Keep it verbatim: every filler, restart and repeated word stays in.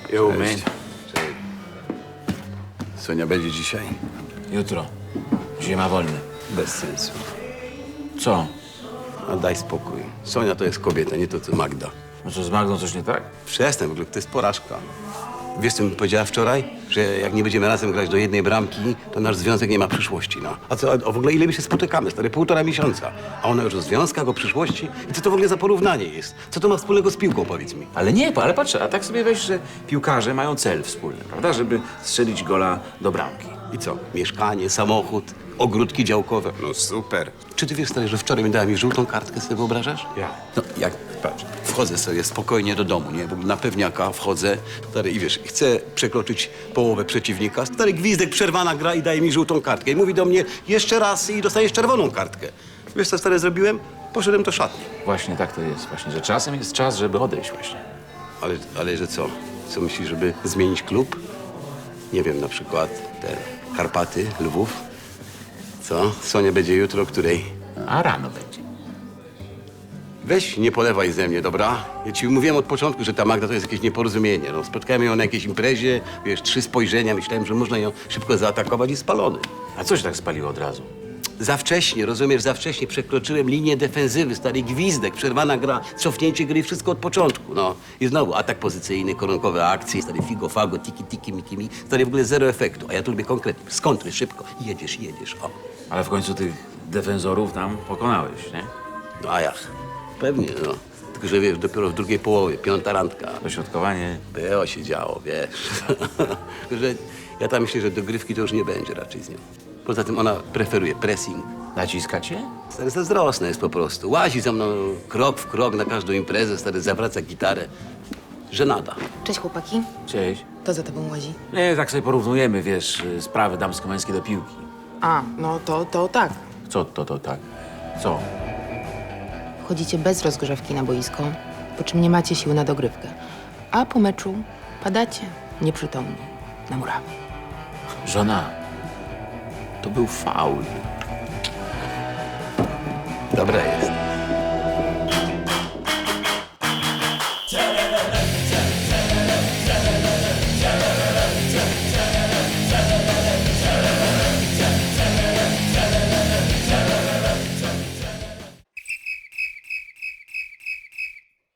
Jo, Cześć. man. Cześć. Sonia będzie dzisiaj? Jutro. Dzisiaj ma wolny. Bez sensu. Co? A daj spokój. Sonia to jest kobieta, nie to co Magda. No co, z Magdą coś nie tak? Przestań, w ogóle to jest porażka. Wiesz, co mi powiedziała wczoraj? Że jak nie będziemy razem grać do jednej bramki, to nasz związek nie ma przyszłości, no. A co, a w ogóle ile my się spotykamy, stary? Półtora miesiąca. A ona już o związkach, o przyszłości? I co to w ogóle za porównanie jest? Co to ma wspólnego z piłką, powiedz mi? Ale nie, ale patrz, a tak sobie weź, że piłkarze mają cel wspólny, prawda? Żeby strzelić gola do bramki. I co? Mieszkanie, samochód, ogródki działkowe. No super. Czy ty wiesz, stary, że wczoraj mi dała mi żółtą kartkę, sobie wyobrażasz? Jak? No, jak, patrz, wchodzę sobie spokojnie do domu, nie? W ogóle na pewniaka wchodzę, stary, i wiesz, chcę przekroczyć połowę przeciwnika. Stary gwizdek, przerwana gra i daje mi żółtą kartkę. I mówi do mnie jeszcze raz i dostajesz czerwoną kartkę. Wiesz, co, stary, zrobiłem? Poszedłem do szatni. Właśnie tak to jest, właśnie, że czasem jest czas, żeby odejść właśnie. Ale, ale że co? Co myślisz, żeby zmienić klub? Nie wiem, na przykład te Karpaty, Lwów. Co? Sonia będzie jutro, której? A rano będzie. Weź, nie polewaj ze mnie, dobra? Ja ci mówiłem od początku, że ta Magda to jest jakieś nieporozumienie. No, spotkałem ją na jakiejś imprezie, wiesz, trzy spojrzenia, myślałem, że można ją szybko zaatakować i spalony. A co się tak spaliło od razu? Za wcześnie, rozumiesz, za wcześnie przekroczyłem linię defensywy, stary gwizdek, przerwana gra, cofnięcie gry, wszystko od początku, no. I znowu atak pozycyjny, koronkowe akcje, stary figo, fago, tiki, tiki, miki, mi, stary w ogóle zero efektu, a ja tu lubię konkretnie, z kontry, szybko, jedziesz, jedziesz, o. Ale w końcu tych defensorów tam pokonałeś, nie? No a jak? Pewnie, no. Tylko, że wiesz, dopiero w drugiej połowie, piąta randka. Dośrodkowanie. Było się działo, wiesz. że ja tam myślę, że dogrywki to już nie będzie raczej z nią. Poza tym ona preferuje pressing. Naciska cię? Stary zazdrosna jest po prostu. Łazi za mną krok w krok na każdą imprezę, stary zawraca gitarę. Żenada. Cześć chłopaki. Cześć. To za tobą łazi. Nie, tak sobie porównujemy, wiesz, y, sprawy damsko-męskie do piłki. A, no to, to tak. Co to, to tak? Co? Wchodzicie bez rozgrzewki na boisko, po czym nie macie siły na dogrywkę. A po meczu padacie nieprzytomni na murawy. Żona, to był faul. Dobra jest.